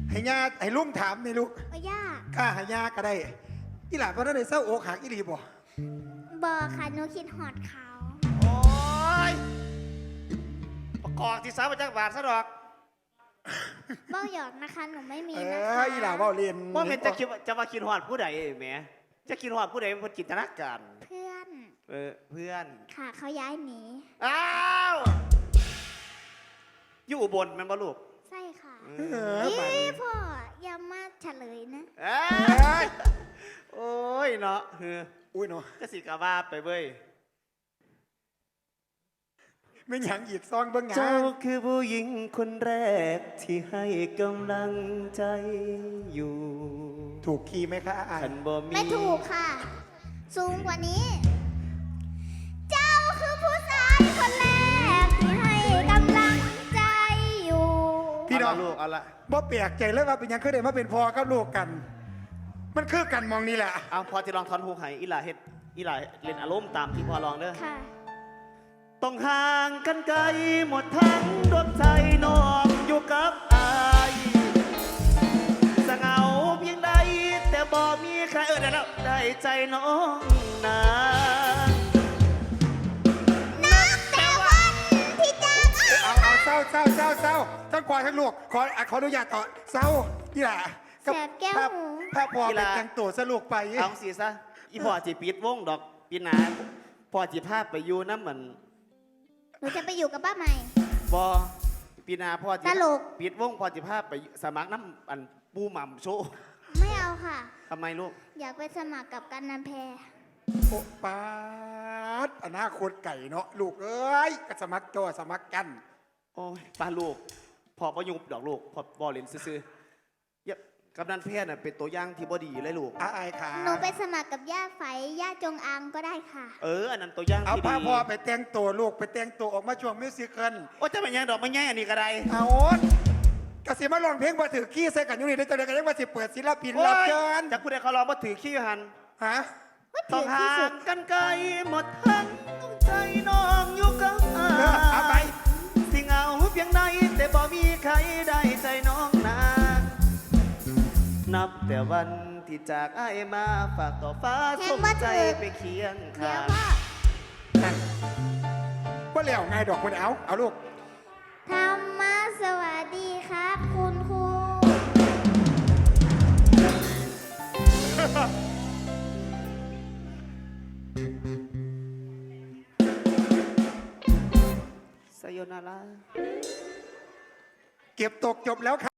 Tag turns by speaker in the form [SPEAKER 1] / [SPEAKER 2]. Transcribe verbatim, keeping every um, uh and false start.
[SPEAKER 1] ให้ยาให้ลุงถามนี่ลูก
[SPEAKER 2] บ่ยาก
[SPEAKER 1] กล้าให้ยาก็ได้อีหลานเพราะนั่นได้เศร้าอกหักอีหลีบ่
[SPEAKER 2] บอค่ะหนูคิดหอดเขา
[SPEAKER 3] โอ้ยประกอบที่สามมาจากบาทซะดอก
[SPEAKER 2] เบ้าหยอกนะคะหนูไม่มี
[SPEAKER 1] เอ
[SPEAKER 2] นะ
[SPEAKER 1] อ
[SPEAKER 2] คะ
[SPEAKER 1] อีหลาเว้าเรียน
[SPEAKER 3] ว่าเป็นจะคิดว่าจะมาคิดหอดผู้ใดแหมจะคิดหอดผู้ใดเป็นคนจินตนาการ
[SPEAKER 2] เพื่อน
[SPEAKER 3] เออเพื่อน
[SPEAKER 2] ค่ะเขาย้ายหนี
[SPEAKER 3] อ้าวอยู่อุบลแมันบ่ลูก
[SPEAKER 2] ใช่ค่ะ
[SPEAKER 1] เออไป
[SPEAKER 2] ยี่พ่ออย่ามาเฉลยนะ
[SPEAKER 3] เอ้ยโอ้ยเนาะเออ
[SPEAKER 1] อุ้ยเนาะ
[SPEAKER 3] ก็สิกาว่าไปเว้ย
[SPEAKER 1] ไม่หยังอีกซองเบิ่งหยั
[SPEAKER 3] เจ้าง คือผู้หญิงคนแรกที่ให้กำลังใจอยู่
[SPEAKER 1] ถูกคีย์ไหมคะอ่าน
[SPEAKER 3] ฉันบ่มี
[SPEAKER 2] ไม่ถูกค่ะ สูงกว่านี้ เจ้าคือผู้ชายคนแรกที่ให้กำลังใจอยู่
[SPEAKER 1] พี่น้อง
[SPEAKER 3] เอาละลูกเอาละ
[SPEAKER 1] บ่แปลกใจเลยว่าเป็นหยังคือได้มาเป็นพ่อกับลูกกัน มันคือกันมองนี่แหละ
[SPEAKER 3] เอาพอจะลองทอนฮูกให้อีหลาเฮ็ดอีหลาเล่นอารมณ์ตามที่พอลองเด้อ
[SPEAKER 2] ค่ะ
[SPEAKER 3] ต้องห่างกันไกลหมดทั้งดวงใจน้องอยู่กับอายสเหงาเพียงใดแต่บ่มีใครเออได้แล้วได้ใจน้องนา
[SPEAKER 2] นับแต่วันที่จากอ้าย
[SPEAKER 1] เอาเอาเศร้าเศร้าเศร้าเศร้าทั้งควายทั้งลูกขออ่ะขออนุญาตต่อเศร้าอีหล่า
[SPEAKER 2] แสบแก้ว
[SPEAKER 1] ถ้า
[SPEAKER 2] หู
[SPEAKER 1] ถ้าพ่อไปแต่งตัวสลูกไป
[SPEAKER 3] เอาสิซะอีพ่อจีปิดวงดอกปีหนาพ่อจีพาไปอยู่น้ำเหมือน
[SPEAKER 2] หนูจะไปอยู่กับป้าใหม่
[SPEAKER 3] บอปีหนาพ่อจี
[SPEAKER 2] ตลก
[SPEAKER 3] ปิดวงพ่อจีพาไปสมัครน้ำอันปูหม่ำโชว์
[SPEAKER 2] ไม่เอาค่ะ
[SPEAKER 3] ทำไมลูก
[SPEAKER 2] อยากไปสมัครกับกันนันแพร
[SPEAKER 1] โอ้ปาดอนาคตไก่เนาะลูกเอ้ยก็สมัครตัวสมัครกัน
[SPEAKER 3] โอ้ยป้าลูกพ่อประยุบดอกลูกพ่อบอเล่นซื่อๆอย่ากำนันเพศน่ะเป็นตัวอย่างที่บ่ดีเลยลูก
[SPEAKER 1] อาอายขา
[SPEAKER 2] หนูไปสมัครกับย่าไฝย่าจงอางก็ได้ค่ะ
[SPEAKER 3] เอออันนั้นตัวอย่าง
[SPEAKER 1] เอา
[SPEAKER 3] ที่
[SPEAKER 1] พา
[SPEAKER 3] ดี
[SPEAKER 1] พ่อไปแต่งตัวลูกไปแต่งตัวออกมาช่วงมิวสิคล
[SPEAKER 3] โอ้จะเป็นยังดอกไม่แง่อันนี้ก็ได้
[SPEAKER 1] เอากระสิมาลองเพลงมาถือขี้ใส่กันอยู่นี่ได้จังไดกันยังมาสิเปิดศิลปิน
[SPEAKER 3] โอ้
[SPEAKER 1] รับ
[SPEAKER 3] ย
[SPEAKER 1] เชิญ
[SPEAKER 3] จากผู้ใดเขาลองมาถือขี้หัน
[SPEAKER 1] ฮะ
[SPEAKER 3] ต้องห่างกันไกลหมดทั้งใจน้องอยู่กับอา
[SPEAKER 1] เออเอาไป
[SPEAKER 3] สิเหงาเพียงใดแต่บ่มีใครได้ใจน้องนานับแต่วันที่จากอ้ายมาฝากต่อฟ้า
[SPEAKER 2] แห้
[SPEAKER 3] ส่
[SPEAKER 2] ง
[SPEAKER 3] ง
[SPEAKER 2] บ่
[SPEAKER 3] ใจ
[SPEAKER 2] ถึก
[SPEAKER 3] ไปเคียง
[SPEAKER 2] เดี๋ย
[SPEAKER 3] ข้าว ง
[SPEAKER 2] พ่อ
[SPEAKER 1] นั่นว่าแล้วไงดอกคนเอาเอาลูก
[SPEAKER 2] ธรรมะสวัสดีครับคุณครู
[SPEAKER 3] สยนารา
[SPEAKER 1] เก็บตกจบแล้วครับ